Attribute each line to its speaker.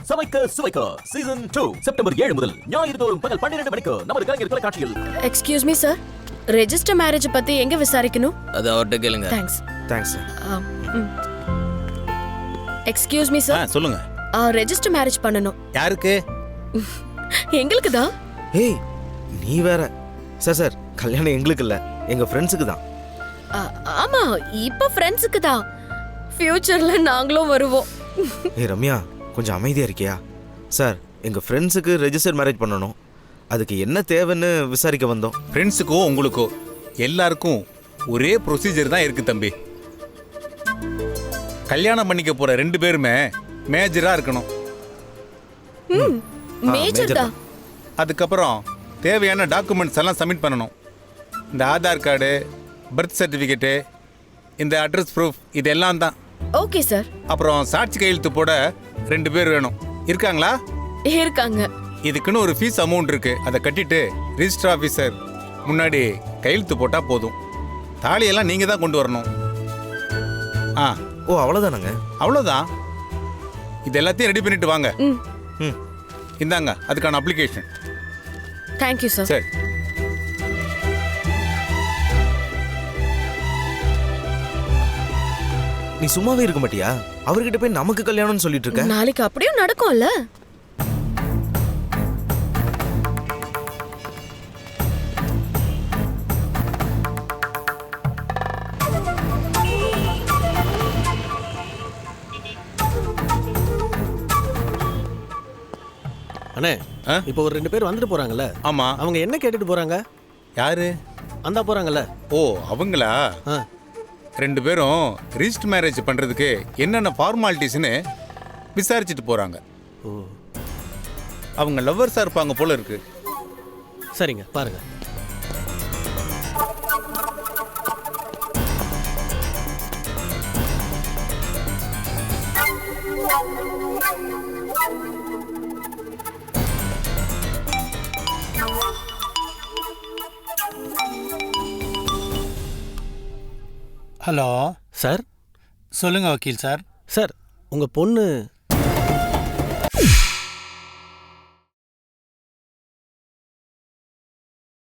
Speaker 1: சமைக்க சுவைக்க season 2 September 7 முதல் ஞாயிறு தோறும் பகல் 12 மணிக்கு நமது கலைஞர் தொலைக்காட்சியில்.
Speaker 2: Excuse me sir, register marriage பத்தி எங்க விசாரிக்கணும்?
Speaker 3: அது அவர்ட்ட கேளுங்க.
Speaker 2: Thanks.
Speaker 4: Thanks sir.
Speaker 2: Excuse me sir,
Speaker 5: சொல்லுங்க.
Speaker 2: ரெஜிஸ்டர் மேரேஜ் பண்ணனும்.
Speaker 5: யாருக்கு?
Speaker 2: எங்களுக்கு தான்.
Speaker 4: ஏய் நீ வேற. சார் கல்யாணம் எங்களுக்கு இல்ல, எங்க ஃப்ரெண்ட்ஸுக்கு தான்.
Speaker 2: ஆமா, இப்ப ஃப்ரெண்ட்ஸுக்கு தான். ஃபியூச்சர்ல நாங்களும் வருவோம்.
Speaker 4: ஏய் ரம்யா, கொஞ்சம் அமைதியா இருக்கியா? சார் எங்க ஃப்ரெண்ட்ஸுக்கு ரெஜிஸ்டர் மேரேஜ் பண்ணணும், அதுக்கு என்ன தேவைன்னு விசாரிக்க வந்தோம்.
Speaker 5: ஃப்ரெண்ட்ஸுக்கோ உங்களுக்கோ எல்லாருக்கும் ஒரே ப்ரொசீஜர் தான் இருக்கு தம்பி. கல்யாணம் பண்ணிக்க போற 2 பேருமே மேஜரா இருக்கணும்.
Speaker 2: மேஜர் தான்.
Speaker 5: அதுக்கப்புறம் தேவையான டாக்குமெண்ட்ஸ் எல்லாம் சப்மிட் பண்ணணும். இந்த ஆதார் கார்டு, பர்த் சர்டிஃபிகேட்டு, இந்த அட்ரஸ் ப்ரூஃப், இதெல்லாம் தான்.
Speaker 2: Okay sir.
Speaker 5: அப்புறம் சாட்சி கையெழுத்து போட 2 பேர் வேணும். இருக்காங்களா?
Speaker 2: இருக்காங்க.
Speaker 5: இதுக்குன்னு ஒரு ஃபீஸ் அமௌண்ட் இருக்கு, அதை கட்டிட்டு ரிஜிஸ்டர் ஆஃபீஸர் முன்னாடி கையெழுத்து போட்டால் போதும். தாலியெல்லாம் நீங்கள் தான் கொண்டு வரணும்.
Speaker 4: ஓ அவ்வளோதானங்க?
Speaker 5: அவ்வளோதான். இது எல்லாத்தையும் ரெடி பண்ணிட்டு வாங்க.
Speaker 4: ம்
Speaker 5: இந்தாங்க அதுக்கான அப்ளிகேஷன்.
Speaker 2: Thank you sir.
Speaker 5: சரி.
Speaker 4: நீ சும்மாவே இருக்க மாட்டியா? அவர்கிட்ட போய் நமக்கு கல்யாணம்னு சொல்லிட்டு இருக்க.
Speaker 2: நாளைக்கு அப்படியே நடக்கும்ல.
Speaker 6: அண்ணே, இப்போ ஒரு 2 பேர் வந்துட்டு போறாங்கல்ல?
Speaker 5: ஆமா.
Speaker 6: அவங்க என்ன கேட்டுட்டு போறாங்க?
Speaker 5: யாரு?
Speaker 6: அந்தா போறாங்கல்ல?
Speaker 5: ஓ அவங்களா? 2 பேரும் ரிஜிஸ்டர் மேரேஜ் பண்றதுக்கு என்னென்ன ஃபார்மாலிட்டிஸ்னு விசாரிச்சுட்டு போறாங்க.
Speaker 6: ஓ
Speaker 5: அவங்க லவ்வர்ஸா இருப்பாங்க போல இருக்கு.
Speaker 6: சரிங்க, பாருங்க.
Speaker 7: Hello
Speaker 6: sir.
Speaker 7: சொல்லுங்க வக்கீல் சார்.
Speaker 6: சார், உங்க பொண்ணு